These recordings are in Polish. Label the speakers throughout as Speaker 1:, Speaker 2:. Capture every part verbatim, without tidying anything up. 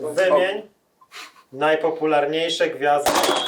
Speaker 1: Wymień najpopularniejsze gwiazdy.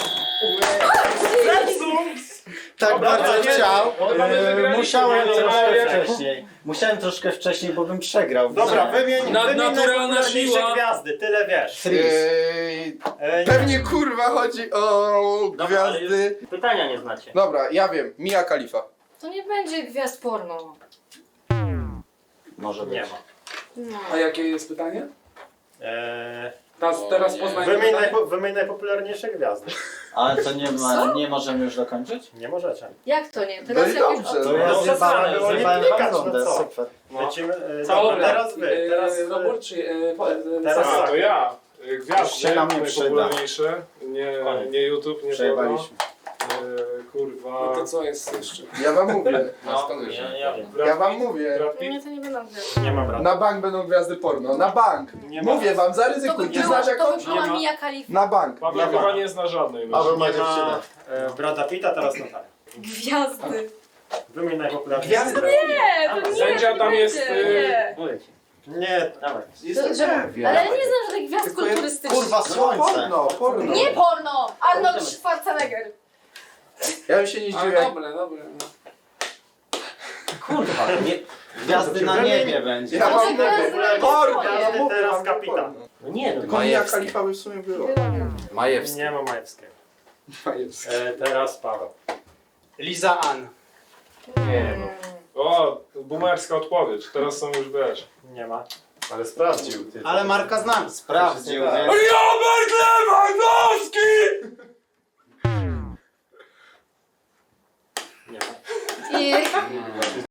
Speaker 2: Tak
Speaker 1: Dobra,
Speaker 2: bardzo
Speaker 1: nie,
Speaker 2: chciał.
Speaker 3: no, mamy
Speaker 2: e,
Speaker 3: wygraliśmy,
Speaker 2: Musiałem
Speaker 3: nie, no,
Speaker 2: troszkę
Speaker 3: ale-
Speaker 2: wcześniej. Musiałem troszkę wcześniej, bo bym przegrał.
Speaker 1: Dobra, wymień,
Speaker 4: Nad-
Speaker 1: wymień
Speaker 4: naturalna
Speaker 1: najpopularniejsze
Speaker 4: siła.
Speaker 1: gwiazdy, tyle wiesz.
Speaker 2: Freeze.
Speaker 5: Eee,
Speaker 1: E, nie.
Speaker 5: pewnie kurwa chodzi o
Speaker 6: Dobra, ale
Speaker 5: gwiazdy.
Speaker 6: już pytania nie znacie.
Speaker 5: Dobra, ja wiem. Mia Khalifa.
Speaker 7: To nie będzie gwiazd porno.
Speaker 2: Może być.
Speaker 1: Nie ma.
Speaker 7: No.
Speaker 3: A jakie jest pytanie?
Speaker 1: E,
Speaker 3: Teraz, teraz poznajmy
Speaker 1: wymień,
Speaker 3: pytanie.
Speaker 1: najpo, wymień najpopularniejsze gwiazdy.
Speaker 2: Ale to nie ma, nie możemy już dokończyć?
Speaker 1: Nie możecie.
Speaker 7: Jak to nie?
Speaker 5: No
Speaker 7: Teraz
Speaker 5: i
Speaker 7: jak już...
Speaker 5: dobrze.
Speaker 2: To
Speaker 5: No,
Speaker 2: ja
Speaker 1: no,
Speaker 2: zjebałem,
Speaker 1: przesady, było nie
Speaker 2: zjebałem
Speaker 1: klikać,
Speaker 2: wam
Speaker 1: no
Speaker 2: rundę,
Speaker 1: co?
Speaker 2: super.
Speaker 1: Lecimy. E,
Speaker 3: Dobra,
Speaker 1: dobra, teraz wy.
Speaker 3: e,
Speaker 1: Teraz, e,
Speaker 3: Robert czy... E, po, e,
Speaker 1: Teraz-
Speaker 3: Sara?
Speaker 8: A, to ja.
Speaker 2: Już
Speaker 8: Gwiazdy,
Speaker 2: się nam nie przyda.
Speaker 8: najpopularniejsze. Nie, nie YouTube, nie porno.
Speaker 2: Przejebaliśmy.
Speaker 8: E, kurwa.
Speaker 3: No to co jest jeszcze?
Speaker 5: Ja wam mówię.
Speaker 6: No, ja, ja wiem.
Speaker 8: Brad
Speaker 5: Ja wam
Speaker 8: Pitt,
Speaker 5: mówię.
Speaker 8: Brad Pitt.
Speaker 7: Nie, to nie będą gwiazd.
Speaker 1: Nie mam rady.
Speaker 5: Na bank będą gwiazdy porno. Na bank.
Speaker 1: Nie ma.
Speaker 5: Mówię wam,
Speaker 7: To
Speaker 5: zaryzykuj.
Speaker 7: by
Speaker 5: Ty
Speaker 7: była,
Speaker 5: znasz
Speaker 7: to by
Speaker 5: jakąś?
Speaker 7: była
Speaker 1: Nie ma.
Speaker 7: Mia Khalifa.
Speaker 5: Na bank.
Speaker 8: Paweł
Speaker 5: Na
Speaker 8: chyba
Speaker 5: bank.
Speaker 8: nie zna żadnej.
Speaker 2: Paweł
Speaker 8: No.
Speaker 2: ma
Speaker 1: Nie ma
Speaker 2: dziewczynę.
Speaker 1: e, Brada Pitta, teraz Natalia.
Speaker 7: Gwiazdy.
Speaker 1: Wymień najpopularniejsze
Speaker 5: Gwiazdy?
Speaker 1: gwiazdy.
Speaker 7: Nie, to nie,
Speaker 8: Sędzia
Speaker 7: nie
Speaker 8: tam
Speaker 7: będzie,
Speaker 8: jest, y,
Speaker 7: Nie.
Speaker 6: Mówię ci.
Speaker 1: Nie,
Speaker 6: Dawaj.
Speaker 7: To, że, ale ja nie znam żadnych gwiazd
Speaker 5: Tylko ja-
Speaker 7: kulturystycznych.
Speaker 2: Kurwa, słońce.
Speaker 5: Porno, porno.
Speaker 7: Nie porno! Arnold Schwarzenegger.
Speaker 5: Ja bym się nie
Speaker 3: A,
Speaker 5: zdziwił. jak-
Speaker 3: dobre, dobre.
Speaker 2: Kurwa, nie, gwiazdy na niebie będzie.
Speaker 5: Ja
Speaker 7: To
Speaker 5: wam
Speaker 7: czy
Speaker 5: mówię.
Speaker 7: gwiazdy na
Speaker 5: Porno,
Speaker 7: niebie?
Speaker 5: ja mówię
Speaker 1: Teraz
Speaker 5: wam,
Speaker 1: kapitan.
Speaker 5: porno.
Speaker 6: No nie, no
Speaker 5: Tylko Mia Khalifa by w sumie było.
Speaker 2: Majewski.
Speaker 1: Nie ma Majewskiego.
Speaker 5: Majewski.
Speaker 1: E, teraz Paweł.
Speaker 2: Liza Ann.
Speaker 1: Nie no.
Speaker 8: O, boomerska odpowiedź. Teraz są już wiesz.
Speaker 1: Nie ma.
Speaker 2: Ale sprawdził. Ale Marka znam. Sprawdził,
Speaker 1: Tak.
Speaker 2: nie?
Speaker 3: Robert Lewandowski!
Speaker 1: Nie ma.
Speaker 7: I